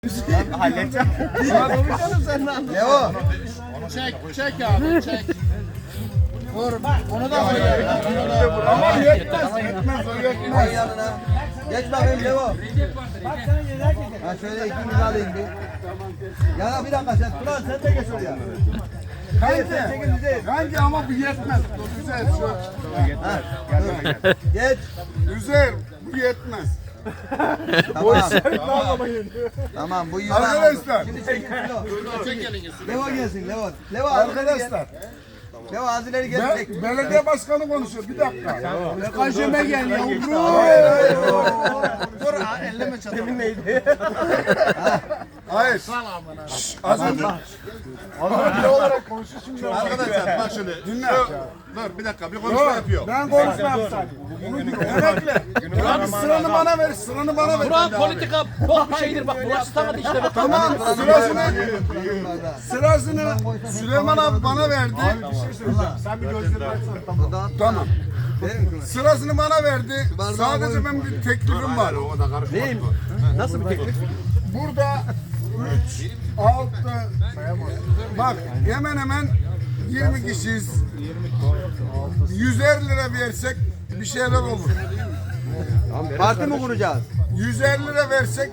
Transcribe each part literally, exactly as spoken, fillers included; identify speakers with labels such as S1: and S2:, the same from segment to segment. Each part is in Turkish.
S1: Ben halledeceğim. Konuşalım senden.
S2: Ne o?
S3: Çek, çek abi, çek. Vur, onu da koy.
S1: Ama yetmez, yetmez, o yetmez.
S2: Koy yanına. Geç bakayım Levo. Ha şöyle ikimiz alayım bir. Yana bir dakika sen. Turan sen de geç oraya.
S1: Bence, bence ama bu yetmez. Güzel şu.
S2: Ha, dur. Geç.
S1: Güzel, bu yetmez.
S2: Tamam. Tamam bu yüzden.
S1: Arkadaşlar.
S2: Şimdi çekin Levo.
S3: Çek elinizi.
S2: Levo gelsin Levo. Levo arkadaşlar.
S1: Arkadaşlar.
S2: Levo az ileri gel.
S1: Be belediye başkanı konuşuyor. Bir dakika. Kaşeme gel yavrum.
S3: Dur, elleme çatalım. Demin neydi?
S1: Hayır. Şşş, az önce. Az önce olarak konuşuyor şimdi.
S4: Arkadaşlar bak şimdi.
S1: Dinle.
S4: Şu, dur bir dakika bir konuşma
S1: Yok,
S4: yapıyor.
S1: ben konuşma yapsam. Bunu diyor. Emekle. Abi sıranı bana ver. Sıranı bana ver.
S5: Burak politika bok bir şeydir bak burası tanıdı işte bak.
S1: Tamam sırasını sırasını Süleyman abi bana verdi. Sen bir gözlerini açsana. Tamam. Tamam. Sırasını bana verdi. Sadece ben bir teklifim var.
S5: Neyim? Nasıl bir teklif?
S1: Burada üç, altı, bak hemen hemen yirmi kişiyiz. yüzer lira versek bir şeyler olur.
S2: Parti mi kuracağız?
S1: yüz elli lira versek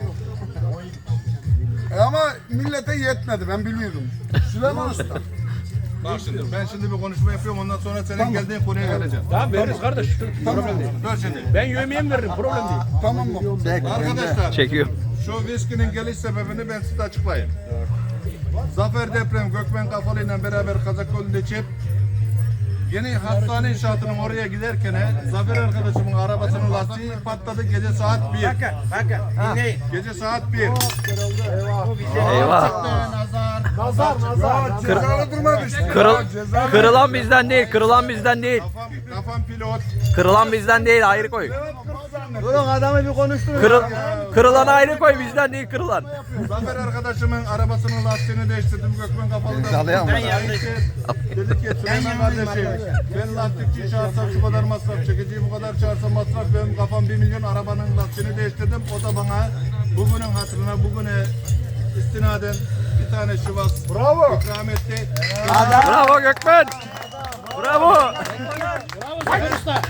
S1: e ama millete yetmedi ben biliyordum. Süleyman Usta.
S4: Bak şimdi ben şimdi bir konuşma yapıyorum ondan sonra senin geldiğin konuya geleceğim.
S5: Tamam veririz kardeş. Problem değil.
S4: Dur şimdi.
S5: Ben yövmeyeyim veririm problem değil.
S1: Tamam mı?
S4: Arkadaşlar
S6: Çekiyor.
S4: şu viskinin geliş sebebini ben size açıklayayım. Zafer Deprem Gökmen Kafalı ile beraber Kazakölü'nde çep yeni hastane inşaatının oraya giderken Zafer arkadaşımın arabasının lastiği patladı gece saat bir.
S5: Bakın bakın dinleyin.
S4: Gece saat bir.
S6: Eyvah.
S1: Nazar nazar. Cezalı durma düştü.
S6: Kırıl,
S1: Ya, cezalı-
S6: kırılan bizden değil, kırılan bizden değil.
S4: Kafam, kafam pilot.
S6: Kırılan bizden değil, ayrı koy.
S2: Durun adamı bir konuşturun.
S6: Kırıl, kırılan ayrı koy, bizden değil kırılan.
S4: Zafer arkadaşımın arabasının lastiğini değiştirdim. Gökmen Kafalı'dan. Ben Dedi ki Süleyman kardeşim ben lastikçi çağırsam şu kadar masraf, çekiciyi bu kadar çağırsam masraf, benim kafam bir milyon, arabanın lastiğini değiştirdim. O da bana bugünün hatırına bugüne istinaden bir tane şivas
S1: Bravo.
S4: ikram etti.
S6: Bravo Gökmen. Bravo.
S5: Zafer Usta.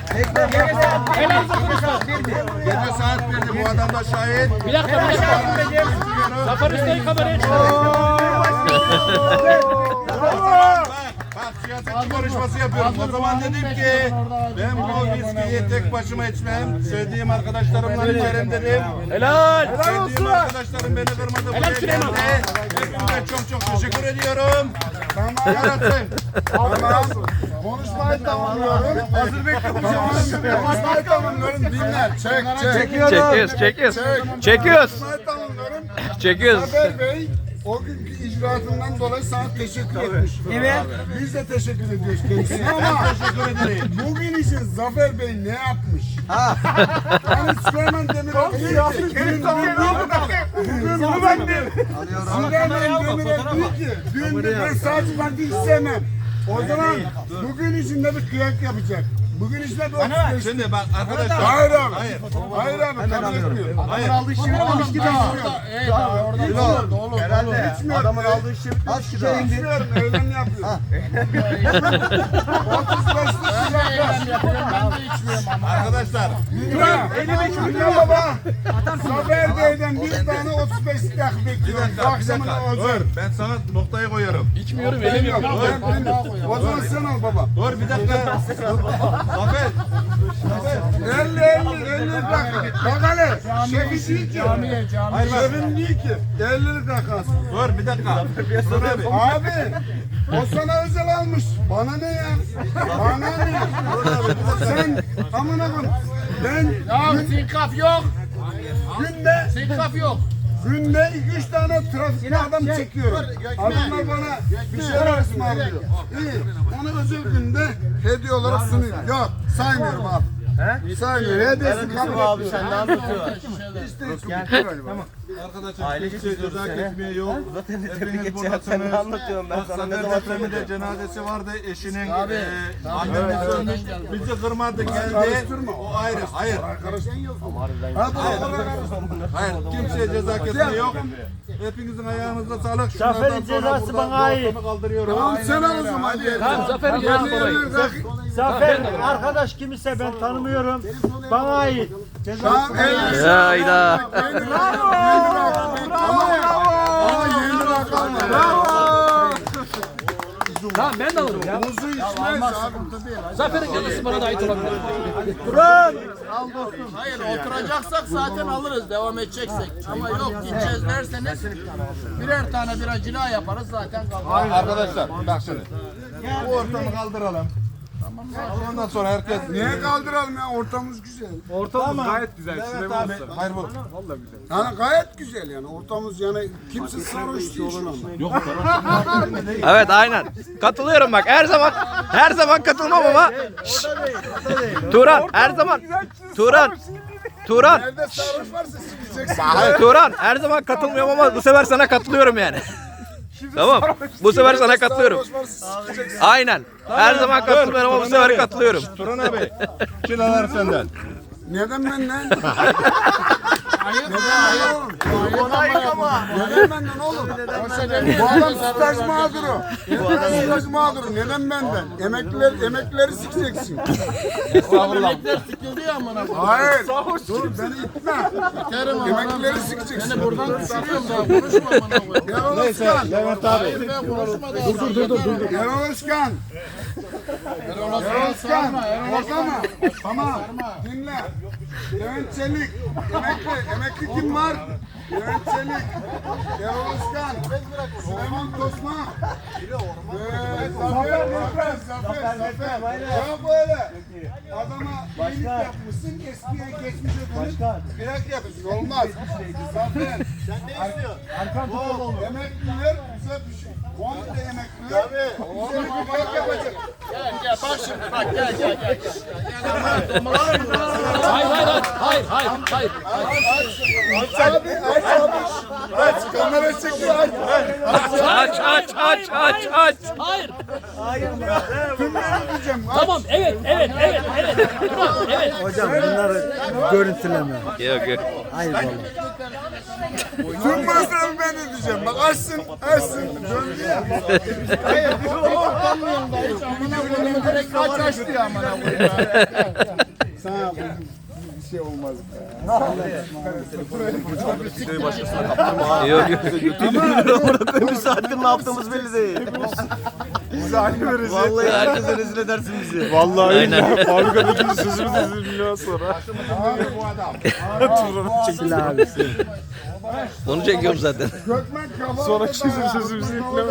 S4: Gece saat birdi, bu adam da şahit.
S5: Bir dakika bir dakika. Zafer Usta'yı kameraya çıkar.
S4: Bak, bak siyasetçi konuşması yapıyorum. O zaman dedim ki ben bu viskiyi tek başıma içmem. Sevdiğim arkadaşlarımla içerim dedim.
S5: Helal.
S4: Sevdiğim arkadaşlarım beni kırmadı.
S5: Helal
S4: Buraya
S5: Süleyman.
S4: geldi. Hepinize çok çok teşekkür ediyorum.
S1: Tamam.
S4: Yarasın.
S1: Tamam. Konuşmayı tamamlıyorum. Hazır bekliyorum. Konuşmayı tamamlıyorum. Dinle. Çek çek.
S6: Çekiyoruz, çekiyoruz. Çekiyoruz.
S1: Konuşmayı tamamlıyorum.
S6: Çekiyoruz.
S1: Zafer Bey o günkü icraatından dolayı sana teşekkür etmiş. Evet. Biz de teşekkür ediyoruz kendisine ama
S4: Teşekkür ederim.
S1: bugün için Zafer Bey ne yapmış? Yani Süleyman Demirel bugün bugün bunu ben de Süleyman Demirel diyor ki dün de ben sadece parti istemem. O zaman bugün için de bir kıyak yapacak. Bugün işte bir otuz beş.
S4: Şimdi bak arkadaşlar.
S1: Hayır abi.
S4: Hayır.
S1: Hayır abi kabul etmiyorum.
S4: Hayır.
S3: Ey bak, orada olur, olur, olur.
S1: Adamın aldığı şey az şişe indi. İçmiyorum öyle mi yapıyor? otuz beşlik
S3: Ben de yapıyorum, ben de içmiyorum ama.
S4: Arkadaşlar.
S1: Dinle baba. Zafer Bey'den bir tane otuz beşlik yak
S4: Bir
S1: bekliyorum.
S4: dakika, bir
S1: Akşamına
S4: dakika.
S1: olacak.
S4: Dur, ben sana noktayı koyuyorum.
S5: İçmiyorum elim yok.
S1: O zaman sen al baba.
S4: Dur bir dakika. Zafer.
S1: elli elli elli dakika. Bak hele. Şefi değil ki.
S3: Camiye, camiye.
S1: Şefim değil ki. elli dakikası.
S4: Dur bir dakika. Dur abi.
S1: Abi. O sana özel almış. Bana ne ya? Bana ne? Sen amına koyayım. Ben
S3: Ya sinkaf yok,
S1: günde
S3: sinkaf yok.
S1: günde iki üç tane trafikte adam çekiyorum. Adamlar bana bir şeyler ısmarlıyor. İyi. Onu özel günde hediye olarak sunuyorum. Yok saymıyorum abi. He? Saymıyorum. Hediyesi kabul etmiyorum.
S3: Sen ne anlatıyorsun?
S1: İşte hiç galiba.
S4: Arkadaşlar kimse ceza kesmeye yok. Hepiniz buradasınız. Bak Zafer Depremi de cenazesi vardı. Eşinin e, annemiz ölmüş. Bizi kırmadı geldi. O ayrı. Hayır. Hayır. Kimseye ceza kesmeye yok. Hepinizin ayağınıza sağlık.
S5: Zafer'in cezası bana ait.
S1: Tamam sen al o zaman.
S6: Tamam Zafer'in cezası dolayı.
S5: Zafer arkadaş kimse ben tanımıyorum. Bana ait.
S1: Tamam.
S6: Hayda.
S5: Tamam ben de alırım ya.
S1: Muzu içmez abi.
S5: Zafer'in cezası bana da ait olabilir.
S3: Hayır oturacaksak zaten alırız devam edeceksek. Ama yok gideceğiz derseniz birer tane bira cila yaparız zaten kalır.
S4: Arkadaşlar bak şimdi. Bu ortamı kaldıralım. Ondan sonra herkes
S1: Niye kaldıralım ya? Ortamımız güzel.
S4: ortamımız gayet güzel. Evet abi. Hayır bu.
S1: Yani gayet güzel yani. Ortamımız yani kimse sarhoş değil şu anda.
S6: Evet aynen. Katılıyorum bak her zaman her zaman katılmam ama. Şşş. Turan her zaman. Turan. Turan.
S1: Nerede sarhoş varsa sikeceksin.
S6: Turan her zaman katılmıyorum ama bu sefer sana katılıyorum yani. Tamam. Bu sefer sana katılıyorum.
S1: Sarhoş varsa sikeceksin.
S6: Aynen. Her zaman katılmıyorum ama bu sefer katılıyorum.
S4: Turan abi. Kilalar senden.
S1: Neden ben lan? Neden oğlum? Neden benden oğlum? Bu adam staj mağduru. Staj mağduru. Neden benden? Emekliler, emeklileri sikeceksin.
S3: Emekler sıkıldı ya amına koyayım.
S1: Hayır. Dur beni itme.
S3: Terim amına.
S1: Emeklileri sikeceksin.
S3: Beni buradan düşürüyorum daha konuşma amına koyayım.
S1: Erol Özkan.
S4: Levent abi.
S3: Ben konuşma daha. Dur dur dur dur.
S1: Erol Özkan.
S3: Erol
S1: Erol Özkan.
S3: Sarma, Erol
S1: Korkama. Tamam. Dinle. Levent Çelik. Emekli. Emekli kim var? Levent Çelik. Erol Özkan. Süleyman Tosma. Ee, Zafer Zafer. Zafer. Zafer. Ya böyle. Adama iyilik yapmışsın. Eskiye geçmişe dönüp birak yapıyorsun. Olmaz. Zafer. Sen ne istiyorsun? Arkan tutalım. Emekliler bize bir şey. Komple emekliler. Bize bir birak yapacak.
S3: Gel gel bak şimdi bak gel gel gel.
S5: Hayır hayır hayır hayır hayır.
S1: Aç abi, aç abi. Aç, kamera çekiyor, aç.
S6: Aç aç aç aç aç.
S5: Hayır.
S1: Tümleri diyeceğim.
S5: Tamam evet evet evet evet. Evet.
S7: Hocam bunları görüntüleme.
S6: Yok yok.
S7: Hayır vallahi.
S1: Tüm masrafı ben ödeyeceğim. Bak açsın, açsın. Döndü ya.
S3: Hayır bu ortamlıyım da hiç amına koyayım direkt kaç açtı ya amına koyayım.
S1: Sana bir şey olmaz.
S6: Yok yok.
S7: Bir saattir ne yaptığımız belli değil.
S1: Bize aynı veririz.
S7: Vallahi herkese rezil edersin bizi.
S1: Vallahi
S6: Aynen.
S1: fabrikadaki sözümüz üzülüyor sonra.
S3: Bu adam.
S7: Çekil abi.
S6: Onu çekiyorum zaten.
S1: Gökmen kafalı. Sonra çizim sözümüzü yüklemez.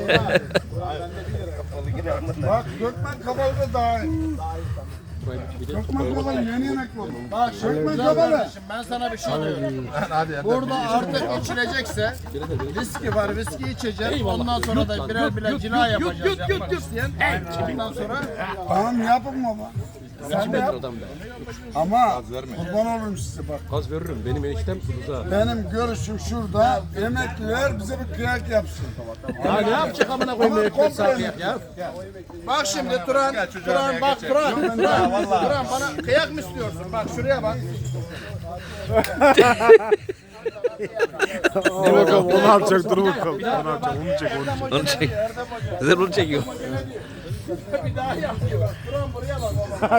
S1: Bak Gökmen kafalı da daha iyi. Gökmen kafalı yeni yemek oldu.
S3: Bak şimdi
S1: Gökmen
S3: güzel
S1: kafalı.
S3: kardeşim ben sana bir şey diyorum. Burada artık içilecekse viski var viski içeceğiz. Ondan sonra da birer birer cila yapacağız yapmak isteyen. Ondan sonra
S1: Tamam yapın baba. Sen de yap. Ama kurban olurum size bak.
S5: Gaz veririm benim eniştem Rıza.
S1: Benim görüşüm şurada. Emekliler bize bir kıyak yapsın.
S5: Ya ne yapacak amına koyayım herifler saati ya.
S3: bak şimdi Turan, Turan bak Turan, Turan, Turan bana kıyak mı istiyorsun? Bak şuraya bak.
S7: Dur bakalım onu yapacak dur bakalım. Onu yapacak onu çek onu.
S6: Onu çek. Zaten onu çekiyorum.
S3: Bir daha yapıyor. Turan buraya bak baba.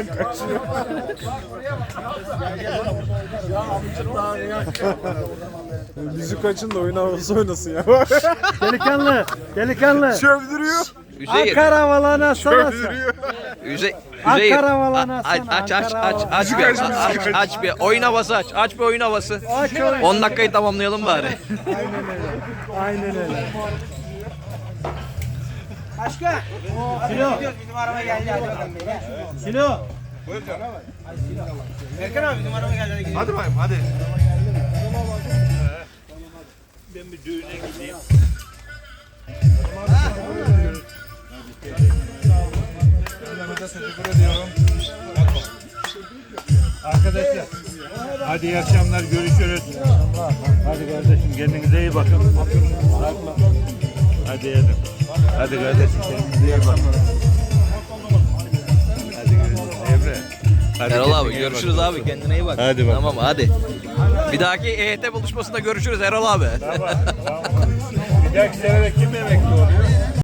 S7: Bizi kaçın da oyun havası oynasın ya. Delikanlı, delikanlı. Çövdürüyor.
S6: Hüseyin.
S7: Ankara havalarına sana.
S6: Hüseyin.
S7: Ankara havalarına
S6: Aç
S7: sana.
S6: aç aç
S7: Ankara
S6: aç aç bir aç, aç bir oyun havası aç. Aç bir oyun havası.
S7: Aç oyun.
S6: on dakikayı tamamlayalım bari.
S7: Aynen öyle.
S4: Hadi bayım hadi. Ben bir düğüne gideyim. Teşekkür ediyorum.
S8: Arkadaşlar. Hadi iyi akşamlar. Görüşürüz. Hadi kardeşim kendinize iyi bakın. Hadi yedim. Hadi kardeşim kendinize iyi bakın. Hadi görüşürüz. Emre. Hadi
S6: Erol abi
S8: kendine iyi
S6: görüşürüz
S8: bak.
S6: abi. Kendine iyi bak.
S8: Hadi bak.
S6: Tamam hadi. Bir dahaki E Y T buluşmasında görüşürüz Erol abi.
S8: Tamam. Tamam. Bir dahaki sene de kim emekli oluyor?